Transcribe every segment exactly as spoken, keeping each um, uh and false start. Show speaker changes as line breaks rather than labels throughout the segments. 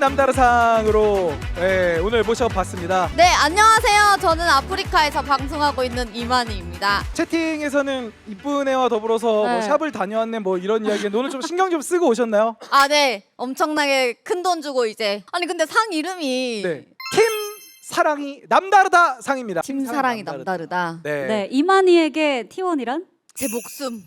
남다르상으로 네, 오늘 모셔봤습니다.
네, 안녕하세요. 저는 아프리카에서 방송하고 있는 이만희입니다.
채팅에서는 이쁜 애와 더불어서
네.
뭐 샵을 다녀왔네 뭐 이런 이야기에 오늘 좀 신경 좀 쓰고 오셨나요?
아, 네. 엄청나게 큰 돈 주고 이제. 아니 근데 상 이름이
네. 팀 사랑이 남다르다 상입니다.
팀 사랑이 남다르다.
네.
네, 이만희에게 티원이란?
제 목숨.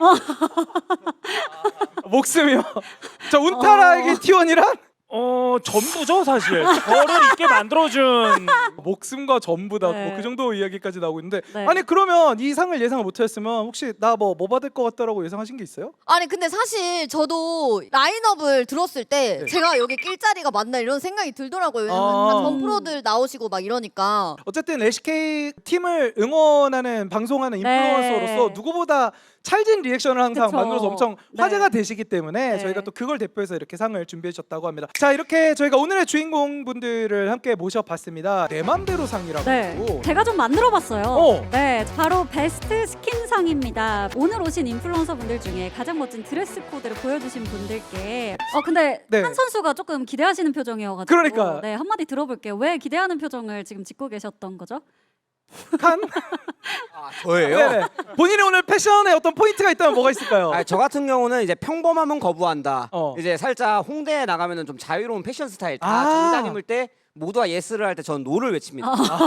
목숨이요. 저 운타라에게
어.
티원이란?
어 전부죠 사실. 저를 있게 만들어준.
목숨과 전부다.
네.
뭐 그 정도 이야기까지 나오고 있는데
네.
아니 그러면 이 상을 예상을 못하셨으면 혹시 나 뭐 뭐 받을 것 같다라고 예상하신 게 있어요?
아니 근데 사실 저도 라인업을 들었을 때
네.
제가 여기 낄 자리가 맞나 이런 생각이 들더라고요. 왜냐면
아.
다 전 프로들 나오시고 막 이러니까.
어쨌든 에스케이 팀을 응원하는 방송하는 인플루언서로서
네.
누구보다 찰진 리액션을 항상
그쵸.
만들어서 엄청
네.
화제가 되시기 때문에
네.
저희가 또 그걸 대표해서 이렇게 상을 준비해 주셨다고 합니다. 자, 이렇게 저희가 오늘의 주인공 분들을 함께 모셔봤습니다. 내 맘대로 상이라고.
네, 제가 좀 만들어봤어요.
어.
네, 바로 베스트 스킨상입니다. 오늘 오신 인플루언서 분들 중에 가장 멋진 드레스 코드를 보여주신 분들께 어 근데
네.
한 선수가 조금 기대하시는 표정이어가지고
그러니까.
네, 한마디 들어볼게요. 왜 기대하는 표정을 지금 짓고 계셨던 거죠?
칸?
아, 저예요?
네네. 본인의 오늘 패션에 어떤 포인트가 있다면 뭐가 있을까요?
아, 저 같은 경우는 이제 평범함은 거부한다.
어.
이제 살짝 홍대에 나가면은 좀 자유로운 패션 스타일. 다
아.
정장 입을 때 모두가 예스를 할 때 전 노를 외칩니다.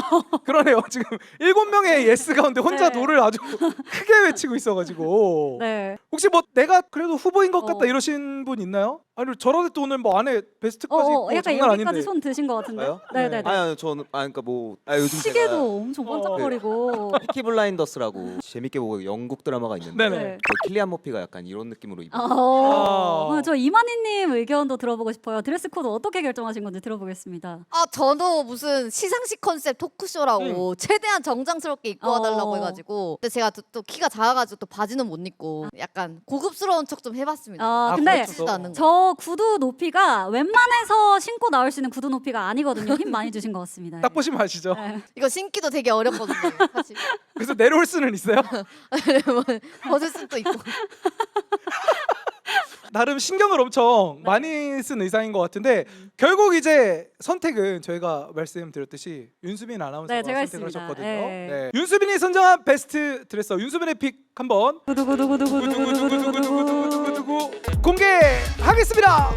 그러네요. 지금 일곱 명의 예스 가운데 혼자
네.
노를 아주 크게 외치고 있어가지고.
네.
혹시 뭐 내가 그래도 후보인 것 같다
어.
이러신 분 있나요? 아니 저런데 또 오늘 뭐 안에
어,
베스트까지
어
입고
약간
장난
여기까지
아닌데.
손 드신 것 같은데.
저요?
네, 네, 네.
아니, 아니 저는 아 그러니까 뭐 아, 요즘
시계도
제가
엄청 반짝거리고.
피키 블라인더스라고 재밌게 보고 영국 드라마가 있는데
네네.
네.
그 킬리안 머피가 약간 이런 느낌으로 입고
어,
아.
저 이만희님 의견도 들어보고 싶어요. 드레스 코드 어떻게 결정하신 건지 들어보겠습니다.
아 저도 무슨 시상식 컨셉 토크쇼라고 최대한 정장스럽게 입고
어.
와달라고 해가지고 근데 제가 또, 또 키가 작아가지고 또 바지는 못 입고 약간 고급스러운 척 좀 해봤습니다.
아,
아,
근데
그렇죠.
않는 거.
저 구두 높이가 웬만해서 신고 나올 수 있는 구두 높이가 아니거든요. 힘 많이 주신 것 같습니다.
딱 보시면 아시죠?
네.
이거 신기도 되게 어렵거든요. 사실
그래서 내려올 수는 있어요?
뭐, 벗을 수도 있고.
나름 신경을 엄청 많이 쓴 의상인 것 같은데 결국 이제 선택은 저희가 말씀드렸듯이 윤수빈 아나운서가
네, 제가
선택을
했습니다.
하셨거든요.
네.
네. 윤수빈이 선정한 베스트 드레서 윤수빈의 픽 한번
구두구두구두구두구두구두구두구
공개하겠습니다.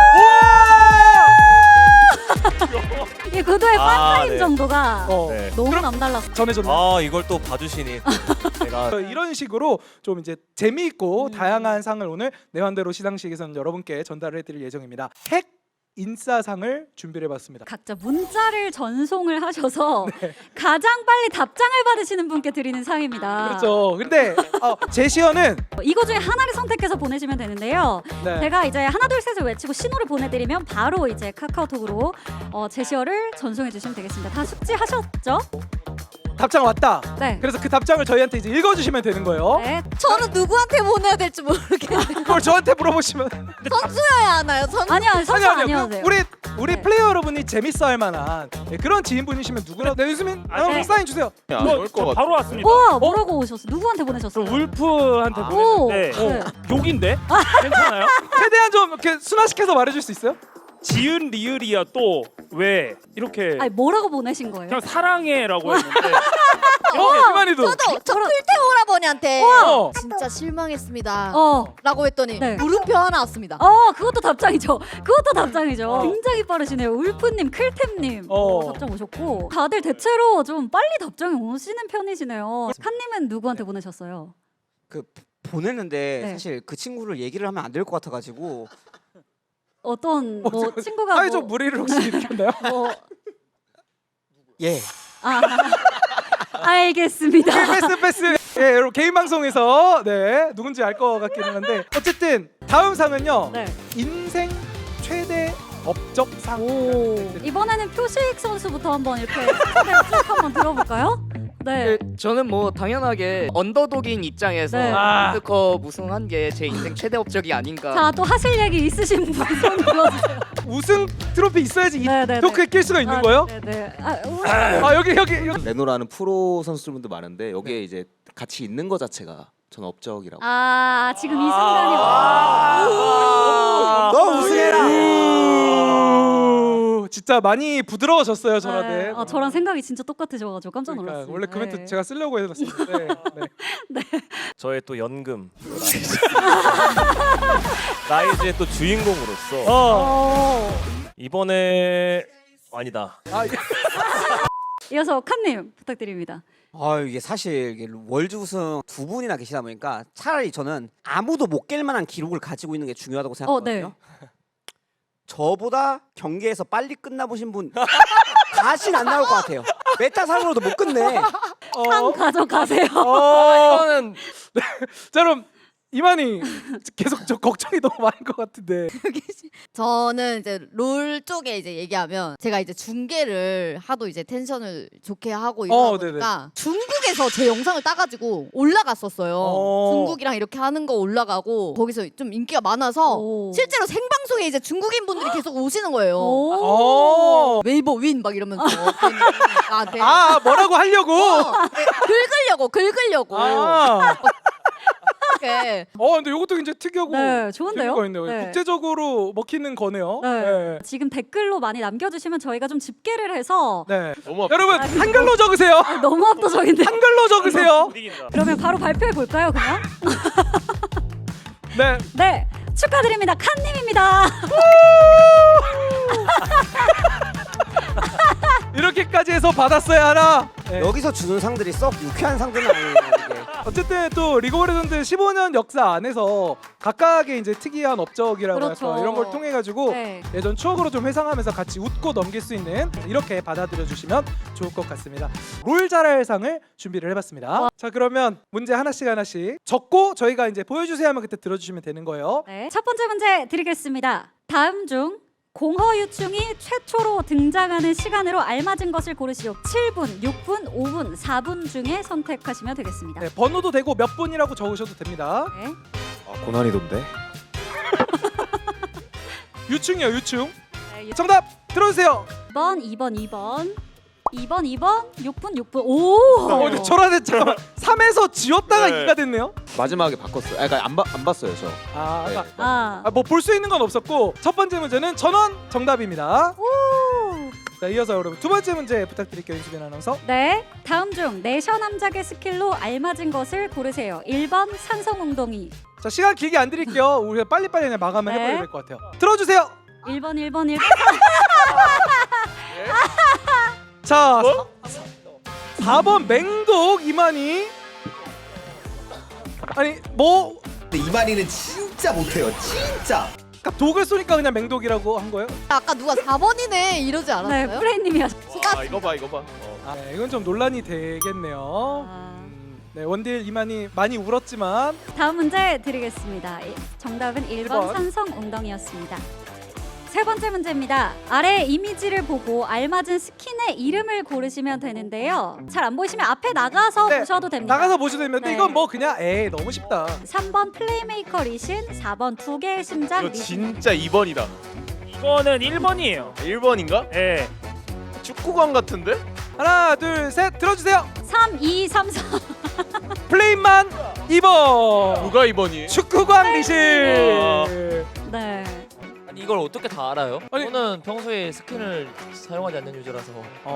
이 구두의
아,
판타임
네.
정도가
어,
네.
너무
그럼-
남달랐어.
전해줬네.
아 이걸 또 봐주시니 제가
이런 식으로 좀 이제 재미있고 다양한 상을 오늘 내 맘대로 시상식에서는 여러분께 전달을 해드릴 예정입니다. 핵 인싸상을 준비를 해봤습니다.
각자 문자를 전송을 하셔서
네.
가장 빨리 답장을 받으시는 분께 드리는 상입니다.
그렇죠. 근데 어, 제시어는
이거 중에 하나를 선택해서 보내시면 되는데요.
네.
제가 이제 하나 둘 셋을 외치고 신호를 보내드리면 바로 이제 카카오톡으로 어, 제시어를 전송해 주시면 되겠습니다. 다 숙지하셨죠?
답장 왔다.
네.
그래서 그 답장을 저희한테 이제 읽어주시면 되는 거예요.
네.
저는 누구한테 보내야 될지 모르겠는데
그걸 저한테 물어보시면
선수여야 하나요? 선
아니요, 선수
아니요, 아니요.
아니어도
그
돼요.
우리 우리
네.
플레이어 여러분이 재밌어할 만한 네, 그런 지인분이시면 누구나 네, 유수민
아,
여러분
네.
사인 주세요.
안
뭐,
올
저
것 같아.
바로 왔습니다.
우와, 뭐라고 오셨어? 누구한테
저
보내셨어요?
울프한테
아.
보냈는데
오, 네.
욕인데 괜찮아요?
최대한 좀 이렇게 순화시켜서 말해줄 수 있어요?
지은 리을이야 또 왜 이렇게
아니 뭐라고 보내신 거예요?
그냥 사랑해라고 했는데
어, 이만희도.
저도 저 클테 오라버니한테
어.
진짜 실망했습니다
어,
라고 했더니
네.
물음표 하나 왔습니다.
어, 그것도 답장이죠. 그것도 답장이죠.
어.
굉장히 빠르시네요. 울프님, 클템님
어.
어, 답장 오셨고 다들 대체로 좀 빨리 답장이 오시는 편이시네요. 칸님은 누구한테 보내셨어요?
그 보냈는데
네.
사실 그 친구를 얘기를 하면 안 될 것 같아가지고
어떤 뭐
저-
친구가
사회적
뭐,
무리를 혹시 일으켰나요?
뭐
예.
아, 알겠습니다.
패스 패스. 예, 여러분 개인 방송에서 네 누군지 알 것 같기는 한데 어쨌든 다음 상은요
네.
인생 최대 업적상.
오, 이번에는 표식 선수부터 한번 이렇게 쭉 한번 들어볼까요? 네.
그, 저는 뭐 당연하게 언더독인 입장에서
네.
아.
월드컵 우승한 게 제 인생 최대 업적이 아닌가.
자, 또 하실 얘기 있으신 분 손 들어주세요.
우승 트로피 있어야지 이
네, 네,
토크에 낄 수가 있는
아,
거예요?
네, 네. 아, 우리-
아 여기 여기 여기.
레노라는 프로 선수들도 많은데 여기에 이제 같이 있는 거 자체가 전 업적이라고.
아, 지금 이 순간이
아.
너 우승해라.
진짜 많이 부드러워졌어요 저한테.
네, 아, 저랑 생각이 진짜 똑같으셔가지고 깜짝
그러니까
놀랐어요.
원래 그 멘트
네.
제가 쓰려고 해놨었는데. 네.
저의 또 연금 라이즈의 또 주인공으로서
어.
어.
이번에 아니다.
아, 예.
이어서 칸님 부탁드립니다.
아 이게 사실 이게 월드 우승 두 분이나 계시다 보니까 차라리 저는 아무도 못 깰 만한 기록을 가지고 있는 게 중요하다고 생각하거든요.
어,
저보다 경기에서 빨리 끝나보신 분 다시는 안 나올 것 같아요. 메타상으로도 못 끝내.
상
어.
가져가세요.
어.
이거는
자 그럼 이만희 계속 저 걱정이 너무 많은 것 같은데.
저는 이제 롤 쪽에 이제 얘기하면 제가 이제 중계를 하도 이제 텐션을 좋게 하고 이러다
어,
보니까 중국에서 제 영상을 따가지고 올라갔었어요.
어.
중국이랑 이렇게 하는 거 올라가고 거기서 좀 인기가 많아서
오.
실제로 생방송에 이제 중국인 분들이 계속 오시는 거예요.
오.
어.
웨이버 윈 막 이러면서 나한테
아 뭐라고 하려고.
어, 긁으려고 긁으려고
아.
이렇게.
어 근데 이것도 굉장히 특이하고
네, 좋은데요?
재미가 있네요.
네.
국제적으로 먹히는 거네요.
네.
네.
지금 댓글로 많이 남겨주시면 저희가 좀 집계를 해서
네.
너무
여러분
아,
한글로 적으세요.
너무 압도적인데.
한글로 적으세요.
못 이긴다.
그러면 바로 발표해 볼까요, 그냥?
네.
네, 축하드립니다, 칸님입니다.
이렇게까지 해서 받았어야 하나. 네.
여기서 주는 상들이 썩 유쾌한 상들은 아니에요. 이게.
어쨌든 또 리그 오브 레전드 십오 년 역사 안에서 각각의 이제 특이한 업적이라고
그렇죠.
할까 이런 걸 통해 가지고
네.
예전 추억으로 좀 회상하면서 같이 웃고 넘길 수 있는 이렇게 받아들여 주시면 좋을 것 같습니다. 롤 잘할 상을 준비를 해봤습니다. 자 그러면 문제 하나씩 하나씩 적고 저희가 이제 보여주세요 하면 그때 들어주시면 되는 거예요.
네, 첫 번째 문제 드리겠습니다. 다음 중 공허유충이 최초로 등장하는 시간으로 알맞은 것을 고르시오. 칠 분, 육 분, 오 분, 사 분 중에 선택하시면 되겠습니다.
네, 번호도 되고 몇 분이라고 적으셔도 됩니다.
네.
아, 고난이도인데.
유충이요 유충.
네, 유-
정답 들어주세요.
일 번, 이 번, 이 번, 이 번, 이 번, 육 분, 육 분. 오!
어, 근데 저란에 잠깐만 삼에서 지웠다가
네.
이가 됐네요.
마지막에 바꿨어요. 아, 그러니까 안, 봐, 안 봤어요 저.
아,
네.
아까
아,
아, 뭐 볼 수 있는 건 없었고 첫 번째 문제는 전원 정답입니다.
오!
자 이어서 여러분 두 번째 문제 부탁드릴게요 윤수빈 아나운서.
네, 다음 중 내셔 남작의 스킬로 알맞은 것을 고르세요. 일 번 산성 웅덩이,
자 시간 길게 안 드릴게요. 우리가 빨리빨리 그냥 마감을
네.
해버려야 될 것 같아요. 들어주세요.
일 번, 일 번, 일 번.
자 사 번 맹독 이만희. 아니 뭐
근데 이만희는 진짜 못해요. 진짜.
아까 독을 쏘니까 그냥 맹독이라고 한 거예요?
아까 누가 사 번이네 이러지
네,
않았어요?
프레이님이 하셨어요.
아 이거 봐 이거 봐. 어.
아, 네, 이건 좀 논란이 되겠네요.
아,
음, 네 원딜 이만희 많이 울었지만
다음 문제 드리겠습니다. 이- 정답은 일 번
일 번.
산성 웅덩이였습니다. 세 번째 문제입니다. 아래 이미지를 보고 알맞은 스킨의 이름을 고르시면 되는데요. 잘 안 보이시면 앞에 나가서
네,
보셔도 됩니다.
나가서 보셔도 됩니다. 근데
네.
이건 뭐 그냥 에이 너무 쉽다.
삼 번 플레이메이커 리신, 사 번 두 개의 심장
이거
리신.
진짜 이 번이다.
이거는 일 번이에요.
일 번인가?
예.
축구관 같은데?
하나 둘 셋 들어주세요.
삼, 이, 삼, 사.
플레임만 이 번.
누가 이 번이?
축구광 리신.
아.
네.
아니 이걸 어떻게 다 알아요?
아니-
저는 평소에 스킨을 사용하지 않는 유저라서.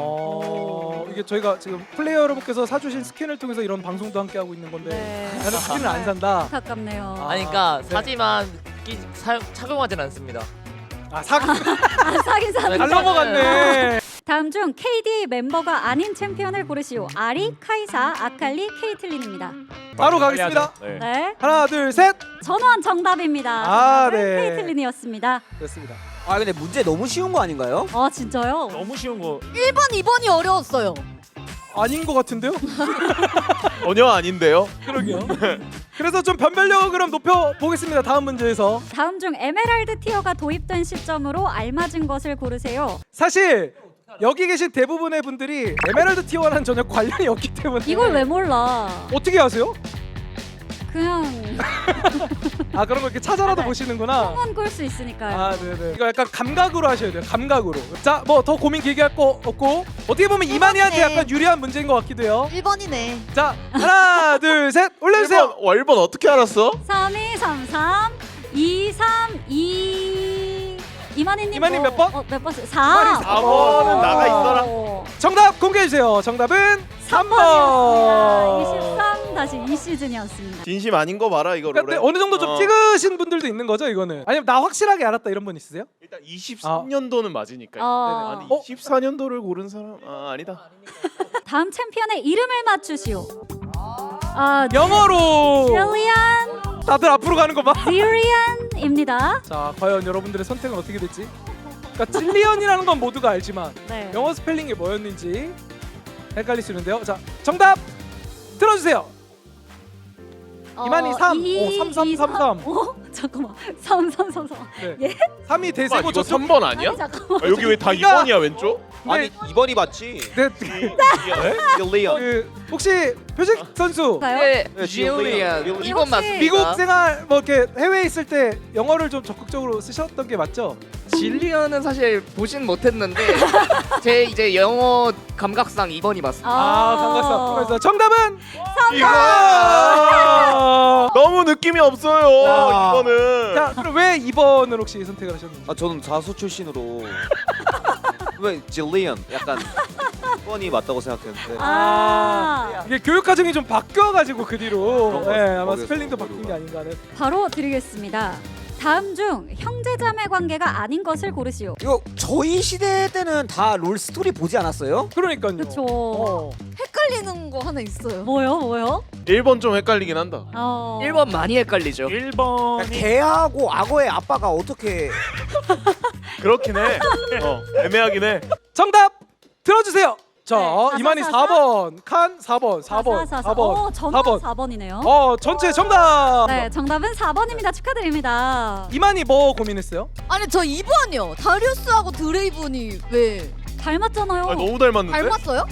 어 이게 저희가 지금 플레이어 여러분께서 사주신 스킨을 통해서 이런 방송도 함께 하고 있는 건데
네.
나는 스킨을 안 산다.
안타깝네요.
아.
아니 그러니까
네.
사지만 끼, 사용, 착용하진 않습니다.
아 사기
아, 사긴 사는.
잘 넘어갔네.
다음 중 케이디 멤버가 아닌 챔피언을 고르시오. 아리, 카이사, 아칼리, 케이틀린입니다.
바로 가겠습니다.
네.
네.
하나 둘 셋.
전원 정답입니다.
아,
정답은
네.
케이틀린이었습니다.
됐습니다.
아 근데 문제 너무 쉬운 거 아닌가요?
아 진짜요?
너무 쉬운 거.
일 번, 이 번이 어려웠어요.
아닌 것 같은데요?
전혀 아닌데요.
그러게요. 그래서 좀 변별력을 그럼 높여 보겠습니다. 다음 문제에서
다음 중 에메랄드 티어가 도입된 시점으로 알맞은 것을 고르세요.
사실 여기 계신 대부분의 분들이 에메랄드 티어와는 전혀 관련이 없기 때문에
이걸 왜 몰라?
어떻게 아세요?
그냥
아 그런 거 이렇게 찾아라도
네.
보시는구나.
꿈은 꿀 수 있으니까요.
아 네네. 이거 약간 감각으로 하셔야 돼요. 감각으로. 자 뭐 더 고민 길게 할 거 없고 어떻게 보면 이만희한테
해봤네.
약간 유리한 문제인 것 같기도 해요.
일 번이네.
자 하나 둘 셋 올려주세요.
일 번 어떻게 알았어?
삼, 이, 삼, 삼, 이, 삼, 이. 이만희님
이만희
뭐-
몇 번?
어, 몇 번?
이만희
사.
사
번은 나가 있어라.
정답 공개해 주세요. 정답은 삼 번.
이십삼 다시 이 시즌이었습니다.
진심 아닌 거 봐라 이거
근데
롤에.
어느 정도 좀
어.
찍으신 분들도 있는 거죠, 이거는? 아니면 나 확실하게 알았다 이런 분 있으세요?
일단 이십삼 년도는 맞으니까.
어.
아니
어?
이십사 년도를 고른 사람 아 아니다.
다음 챔피언의 이름을 맞추시오. 아,
영어로.
젤리안
다들 앞으로 가는 거 봐.
지리안입니다.
자, 과연 여러분들의 선택은 어떻게 될지. 그러니까 질리언이라는 건 모두가 알지만
네.
영어 스펠링이 뭐였는지 헷갈릴 수 있는데요. 자, 정답 들어주세요. 이만희 삼, 오, 삼, 삼, 삼, 삼.
어? 잠깐만. 삼, 삼, 삼, 삼.
네.
예?
삼이
이거
대세고 저쪽.
삼 번 아니야?
아니 잠깐만.
아, 여기 왜 다 이
그러니까-
번이야 왼쪽?
아니 이 번이 맞지.
네,
딜리언.
그 혹시 표식 선수
가요?
네,
네,
지올리안
지올리안.
이 번 맞습니다.
미국 생활 뭐 이렇게 해외에 있을 때 영어를 좀 적극적으로 쓰셨던 게 맞죠?
질리언은 사실 보진 못했는데 제 이제 영어 감각상 이 번이 맞습니다.
아, 반갑습니다. 반갑습니다. 정답은
이거 너무 느낌이 없어요.
야.
이거는.
자, 그럼 왜 이 번을 혹시 선택을 하셨는지?
아 저는 자수 출신으로 왜 질리언 약간 번이 맞다고 생각했는데
아,
이게 교육 과정이 좀 바뀌어가지고 그 뒤로
그런 것
네,
같아요.
아마
거기서
스펠링도
거기로
바뀐 게 아닌가 하는.
바로 드리겠습니다. 다음 중 형제자매 관계가 아닌 것을 고르시오.
이거 저희 시대 때는 다 롤 스토리 보지 않았어요?
그러니까요.
그쵸.
어.
헷갈리는 거 하나 있어요.
뭐요, 뭐요?
일 번 좀 헷갈리긴 한다.
어.
일 번 많이 헷갈리죠.
일 번이
개하고 악어의 아빠가 어떻게
그렇긴 해. 어, 애매하긴 해.
정답 들어주세요. 자,
네,
이만희
사사사사?
사 번, 칸 사 번, 사 번,
사사사사.
사 번,
어, 저는
사 번.
사 번이네요.
어, 전체 정답.
네, 정답은 사 번입니다. 축하드립니다.
이만희 뭐 고민했어요?
아니 저 이 번이요. 다리우스하고 드레이븐이 왜
닮았잖아요.
아, 너무 닮았는데?
닮았어요?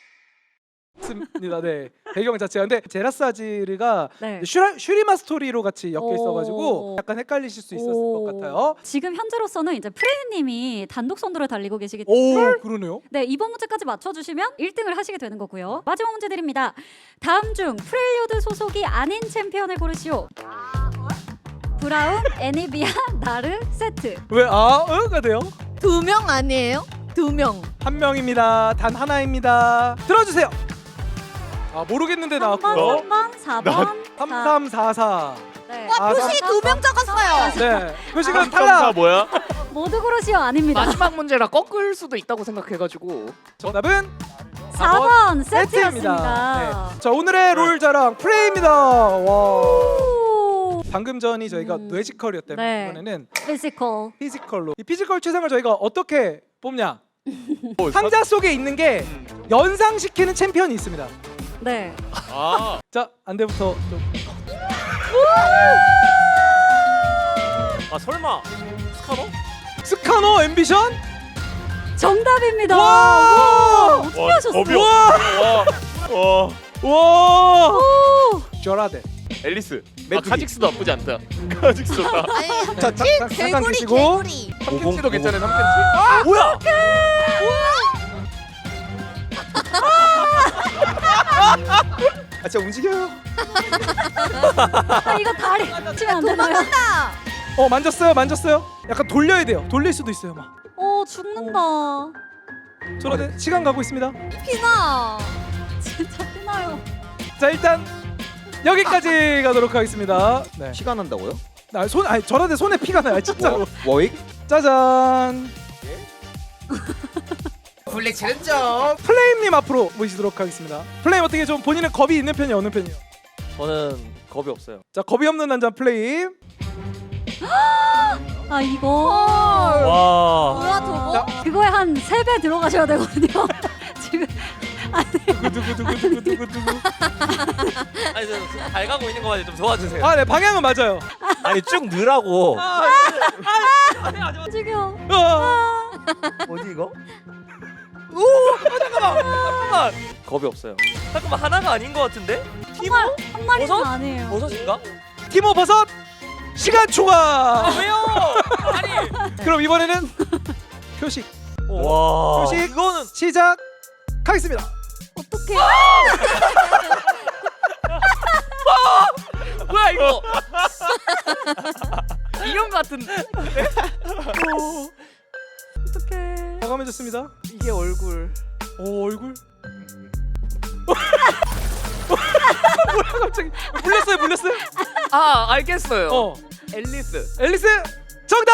맞습니다. 네, 배경 자체가. 근데 제라스 아지르가
네.
슈라, 슈리마 스토리로 같이 엮여
오.
있어가지고 약간 헷갈리실 수 있었을
오.
것 같아요.
지금 현재로서는 이제 프레디님이 단독 선두를 달리고 계시기 때문에
오, 그러네요.
네, 이번 문제까지 맞춰주시면 일 등을 하시게 되는 거고요. 마지막 문제 드립니다. 다음 중 프렐류드 소속이 아닌 챔피언을 고르시오. 브라운, 애니비아, 나르, 세트.
왜 아, 응가 돼요?
두 명 아니에요? 두 명.
한 명입니다. 단 하나입니다. 들어주세요. 아, 모르겠는데
삼 번,
나왔고요.
삼 번, 사 번,
삼 삼 사 사.
네.
아,
표시 두 명 적었어요.
네, 표식은
삼, 사
탈락.
뭐야?
모두 고르시오. 아닙니다.
마지막 문제라 꺾을 수도 있다고 생각해가지고
정답은
사 번
세트입니다.
세트였습니다.
네. 자, 오늘의 롤 자랑 플레이입니다. 와.
오,
방금 전이 저희가
음.
뇌지컬이었다면
네.
이번에는
피지컬.
피지컬로. 이 피지컬 최상을 저희가 어떻게 뽑냐? 상자 속에 있는 게 연상시키는 챔피언이 있습니다.
네.
아,
자, 안대부터 좀.
아 설마 스카노?
스카노 앰비션?
정답입니다.
와!
어떻게
와,
하셨어요?
겁이 없- 와, 와,
와!
오!
저라데.
앨리스. 아,
메뚜기.
카직스도 나쁘지 않다. 카직스 좋다.
아니
자, 자, 자, 잠깐
개구리
계시고.
개구리.
삼캔치도 괜찮아요. 삼캔치.
뭐야?
아 진짜 움직여요.
아, 이거 다리 치면 안 되나요?
도망간다.
어, 만졌어요. 만졌어요. 약간 돌려야 돼요. 돌릴 수도 있어요, 막.
오, 죽는다.
저라데 시간 가고 있습니다.
피나.
진짜 피나요.
자, 일단 여기까지 가도록 하겠습니다. 네.
피가 난다고요?
아, 손 아니 저라데 손에 피가 나요, 진짜로.
워익?
짜잔.
블랙 챌린저.
플레임님 앞으로 모시도록 하겠습니다. 플레임 어떻게 좀 본인은 겁이 있는 편이 어느 편이에요?
저는 겁이 없어요.
자, 겁이 없는 남자 플레임.
아, 이거
와.
뭐야 저거?
자,
그거에 한 세 배 들어가셔야 되거든요. 지금
두구 두구 두구 두구 두구 두구.
아니 저잘 가고 있는 거만 좀 도와주세요.
아, 네, 방향은 맞아요.
아니 쭉 넣으라고.
움직여.
아,
뭐지 이거?
잠깐만.
겁이 없어요.
잠깐만 하나가 아닌 것 같은데? 티모?
한 마리는
버섯?
아니에요.
버섯인가?
티모 버섯 시간 초과.
아 왜요? 아니.
그럼 이번에는 표식
와.
표식 이거는 시작하겠습니다.
어떻게?
뭐야 이거? 이런 거
같은데.
어떡해.
과감해졌습니다.
이게 얼굴.
오 얼굴. 뭐야 갑자기 물렸어요 물렸어요?
아 알겠어요.
어
앨리스.
앨리스 정답.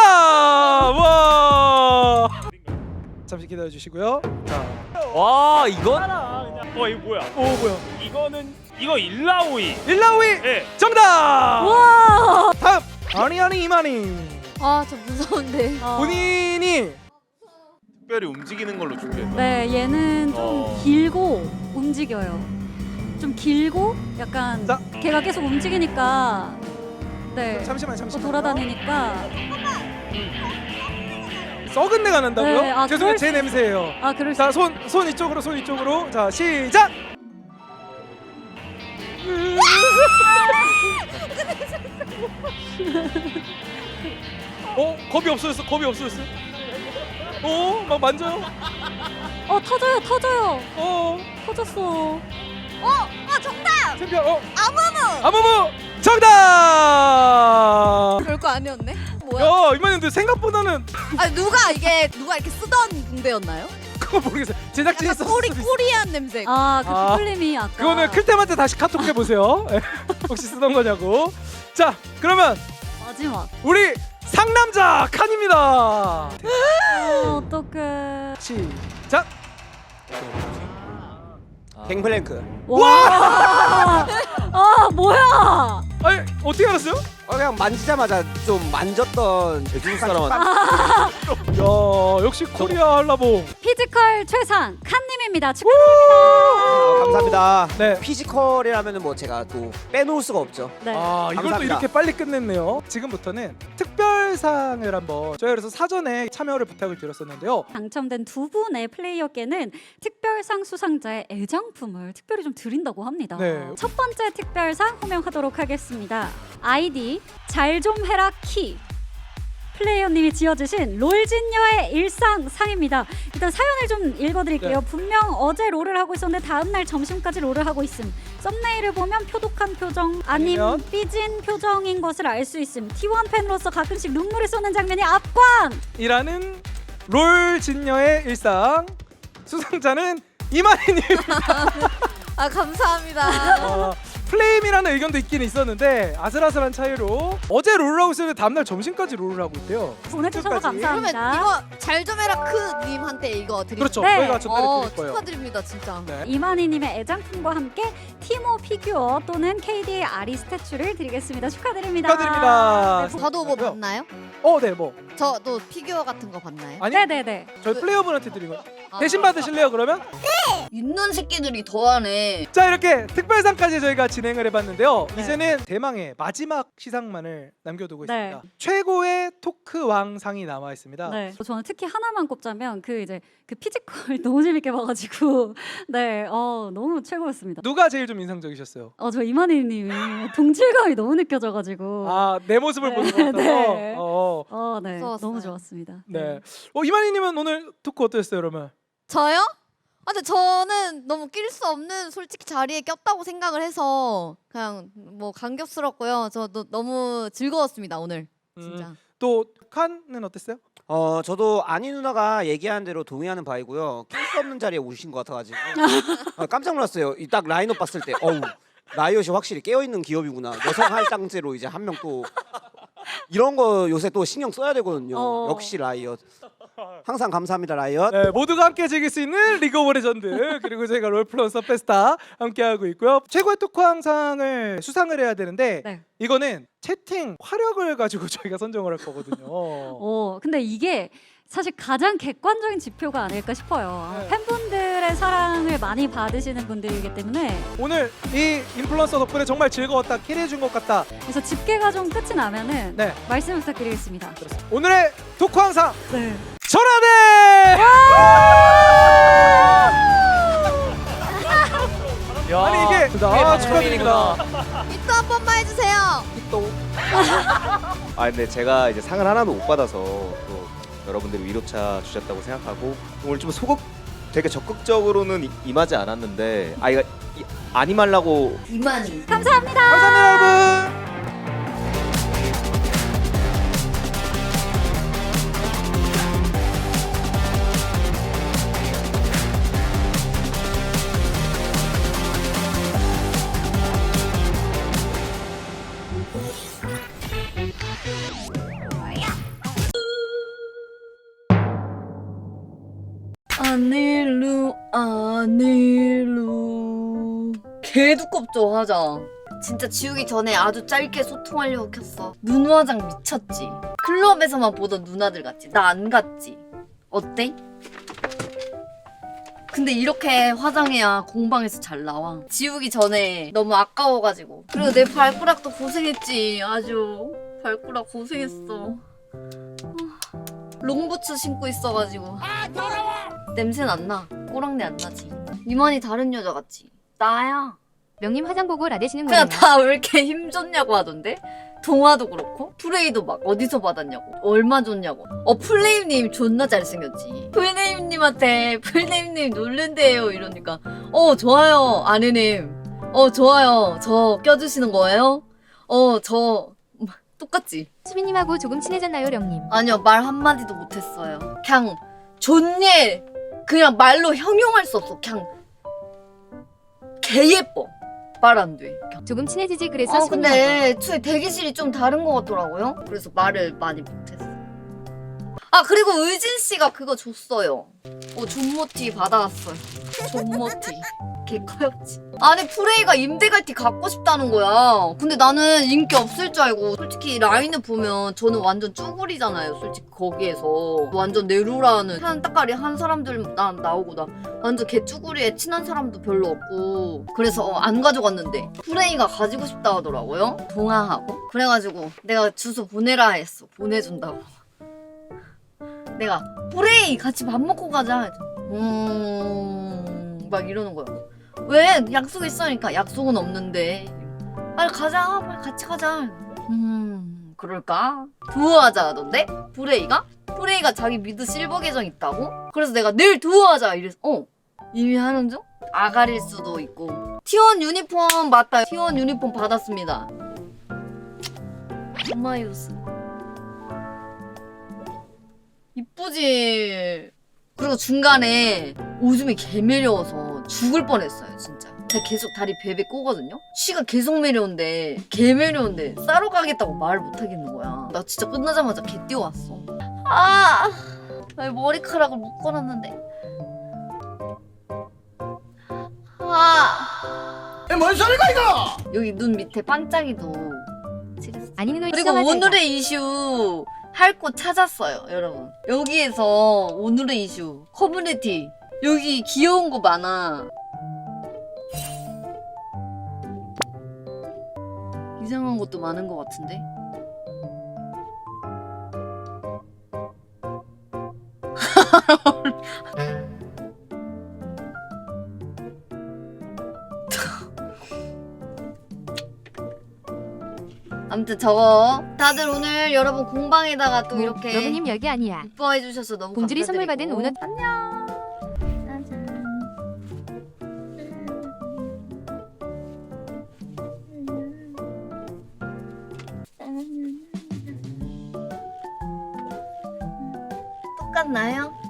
와. 잠시 기다려 주시고요. 자,
와 이건
어 이거 뭐야?
오 뭐야?
이거는 이거 일라오이.
일라오이
예.
정답.
와.
다음 아니 아니 이만희.
아, 저 무서운데.
어.
본인이
특별히 움직이는 걸로 준비했다.
네, 얘는 좀
어.
길고 움직여요. 좀 길고 약간
자.
걔가 계속 움직이니까 네.
잠시만
또
잠시만.
돌아다니니까
썩은 내가 난다고요?
네, 아,
죄송해요
그럴
제
수-
냄새예요.
아 그럴 수
자 손 손 이쪽으로 손 이쪽으로. 자 시작. 어 겁이 없어졌어 겁이 없어졌어. 어막 만져요.
어 터져요 터져요
어
터졌어.
아, 정답.
챔피언 어
아무무.
아무무 정답.
별거 아니었네. 뭐야?
야 이만님들 생각보다는
아, 누가 이게 누가 이렇게 쓰던 붕대였나요?
그거 모르겠어요. 제작진이
약간
썼을
꼬리
수도 있어요.
꼬리한 냄새.
아그
아,
피플림이 아까
그거는 클템한테 다시 카톡 해보세요. 혹시 쓰던 거냐고. 자 그러면
마지막.
우리 상남자 칸입니다.
어, 어떡해.
시작.
갱플랭크.
와. 아 뭐야?
아니 어떻게 알았어요?
어, 그냥 만지자마자 좀 만졌던
중국 사람한테
야 역시 코리아 한라봉.
피지컬 최상 칸님입니다.
어,
축하드립니다.
감사합니다.
네.
피지컬이라면은 뭐 제가 또 빼놓을 수가 없죠.
네.
아 이걸 또
감사합니다.
이렇게 빨리 끝냈네요. 지금부터는 특별상을 한번 저희 그래서 사전에 참여를 부탁을 드렸었는데요.
당첨된 두 분의 플레이어께는 특별상 수상자의 애장품을 특별히 좀 드린다고 합니다.
네.
첫 번째 특별상 호명하도록 하겠습니다. 아이디 잘 좀 해라 키. 플레이어님이 지어주신 롤진녀의 일상상입니다. 일단 사연을 좀 읽어드릴게요.
네.
분명 어제 롤을 하고 있었는데 다음날 점심까지 롤을 하고 있음. 썸네일을 보면 표독한 표정 아님
아니면?
삐진 표정인 것을 알 수 있음. 티원 팬으로서 가끔씩 눈물을 쏟는 장면이 압광!
이라는 롤 진녀의 일상 수상자는 이만희님.
아, 감사합니다.
어, 플레임이라는 의견도 있긴 있었는데 아슬아슬한 차이로 어제 롤을 하고 있었는데 다음날 점심까지 롤을 하고 있대요.
보내주셔서
끝까지.
그러면
감사합니다.
이거 잘 좀 해라 크 님한테 이거 드릴게요.
그렇죠.
네.
저희가 전달해
어,
드릴 거예요.
축하드립니다, 진짜.
네.
이만희님의 애장품과 함께 티모 피규어 또는 케이디의 아리 스태츄를 드리겠습니다. 축하드립니다.
축하드립니다.
네,
저도 뭐 봤나요?
어, 네, 뭐
저도 피규어 같은 거 봤나요?
아니
네네네.
저희 플레이어분한테 드린 거
아,
대신 받으실래요? 그러면
있는 새끼들이 더하네.
자 이렇게 특별상까지 저희가 진행을 해봤는데요.
네.
이제는 대망의 마지막 시상만을 남겨두고
네.
있습니다. 최고의 토크 왕상이 남아 있습니다.
네. 저는 특히 하나만 꼽자면 그 이제 그 피지컬 너무 재밌게 봐가지고 네, 어 너무 최고였습니다.
누가 제일 좀 인상적이셨어요?
어 저 이만희님이 동질감이 너무 느껴져가지고
아 내 모습을
네.
보는 것 같아서.
네.
어,
어, 네,
무서웠어요.
너무 좋았습니다.
네. 어 이만희님은 오늘 토크 어떠셨어요, 그러면?
저요? 아, 근데 저는 너무 낄 수 없는 솔직히 자리에 꼈다고 생각을 해서 그냥 뭐 감격스럽고요. 저도 너무 즐거웠습니다, 오늘. 진짜.
음, 또 칸은 어땠어요?
어 저도 아니 누나가 얘기한 대로 동의하는 바이고요. 낄 수 없는 자리에 오신 것 같아가지고 아, 깜짝 놀랐어요. 이 딱 라인업 봤을 때 어우 라이엇이 확실히 깨어있는 기업이구나. 여성 할당제로 이제 한 명 또 이런 거 요새 또 신경 써야 되거든요.
어.
역시 라이엇. 항상 감사합니다 라이엇.
네, 모두가 함께 즐길 수 있는 리그 오브 레전드 그리고 저희가 롤플러스 페스타 함께 하고 있고요. 최고의 토크왕상을 수상을 해야 되는데
네.
이거는 채팅 화력을 가지고 저희가 선정을 할 거거든요.
어 근데 이게 사실 가장 객관적인 지표가 아닐까 싶어요.
네.
팬분들의 사랑을 많이 받으시는 분들이기 때문에
오늘 이 인플루언서 덕분에 정말 즐거웠다, 캐리해준 것 같다.
그래서 집계가 좀 끝이 나면은
네,
말씀 부탁드리겠습니다.
그렇습니다. 오늘의 토크왕상
네.
전화대.
야,
아니 이게
그게
아,
방송인이구나.
축하드립니다.
입도 한 번만 해주세요.
아 근데 제가 이제 상을 하나도 못 받아서 또 여러분들이 위로차 주셨다고 생각하고 오늘 좀 소극 되게 적극적으로는 이- 임하지 않았는데 아 이거 이- 안 임하려고
이만희.
감사합니다.
감사합니다, 여러분.
안일루 안일루 개 두껍죠 화장. 진짜 지우기 전에 아주 짧게 소통하려고 켰어. 눈 화장 미쳤지. 클럽에서만 보던 누나들 같지. 나 안 같지. 어때? 근데 이렇게 화장해야 공방에서 잘 나와. 지우기 전에 너무 아까워가지고. 그리고 내 발가락도 고생했지. 아주 발가락 고생했어. 롱부츠 신고 있어가지고. 냄새는 안 나. 꼬랑내 안 나지. 이만희 다른 여자 같지. 나야.
명님 화장 보고 라데시는
그냥
거예요.
다 왜 이렇게 힘 줬냐고 하던데? 동화도 그렇고 프레이도 막 어디서 받았냐고 얼마 줬냐고. 어 플레임님 존나 잘생겼지. 플레임님한테 플레임님 놀른대요 이러니까 어 좋아요 아내님 어 좋아요 저 껴주시는 거예요? 어 저 똑같지?
수빈님하고 조금 친해졌나요, 령님?
아니요 말 한마디도 못했어요. 그냥 존예 그냥 말로 형용할 수 없어. 그냥 개 예뻐. 말 안 돼.
조금 친해지지 그래서
어
수빈님하고.
근데 애초에 대기실이 좀 다른 것 같더라고요. 그래서 말을 많이 못했어. 아 그리고 의진 씨가 그거 줬어요. 어 존모티 받아왔어요. 존모티. 개 커였지. 아니 프레이가 임대갈티 갖고 싶다는 거야. 근데 나는 인기 없을 줄 알고. 솔직히 라인을 보면 저는 완전 쭈구리잖아요. 솔직히 거기에서 완전 네루라는 한 따까리 한 사람들 나 나오고 나 완전 개 쭈구리에 친한 사람도 별로 없고. 그래서 어, 안 가져갔는데 프레이가 가지고 싶다 하더라고요. 동화하고. 그래가지고 내가 주소 보내라 했어. 보내준다고. 내가 프레이 같이 밥 먹고 가자. 음... 막 이러는 거야. 왜? 약속 있으니까 약속은 없는데. 빨리 가자. 빨리 같이 가자. 음... 그럴까? 두어하자 하던데? 프레이가? 프레이가 자기 미드 실버 계정 있다고? 그래서 내가 내일 두어하자 이래서 어? 이미 하는 중? 아가릴 수도 있고. 티원 유니폼 맞다. 티원 유니폼 받았습니다. 엄마이로스 이쁘지? 그리고 중간에 오줌이 개 매려워서 죽을 뻔했어요 진짜. 제가 계속 다리 베베 꼬거든요? 쉬가 계속 매려운데 개 매려운데 싸러 가겠다고 말을 못하겠는 거야. 나 진짜 끝나자마자 개 뛰어왔어. 아, 아 머리카락을 묶어놨는데. 아,
뭔 소리가 이거?
여기 눈 밑에 반짝이도 칠했어.
아니는 걸
그리고 오늘의 이슈 할 곳 찾았어요 여러분. 여기에서 오늘의 이슈 커뮤니티 여기 귀여운 거 많아. 이상한 것도 많은 것 같은데. 아무튼 저거 다들 오늘 여러분 공방에다가 또 이렇게
러브님 열개 아니야.
이뻐해 주셔서 너무
공주리 선물
감사드리고.
받은 오너
안녕. 짜잔. 똑같나요?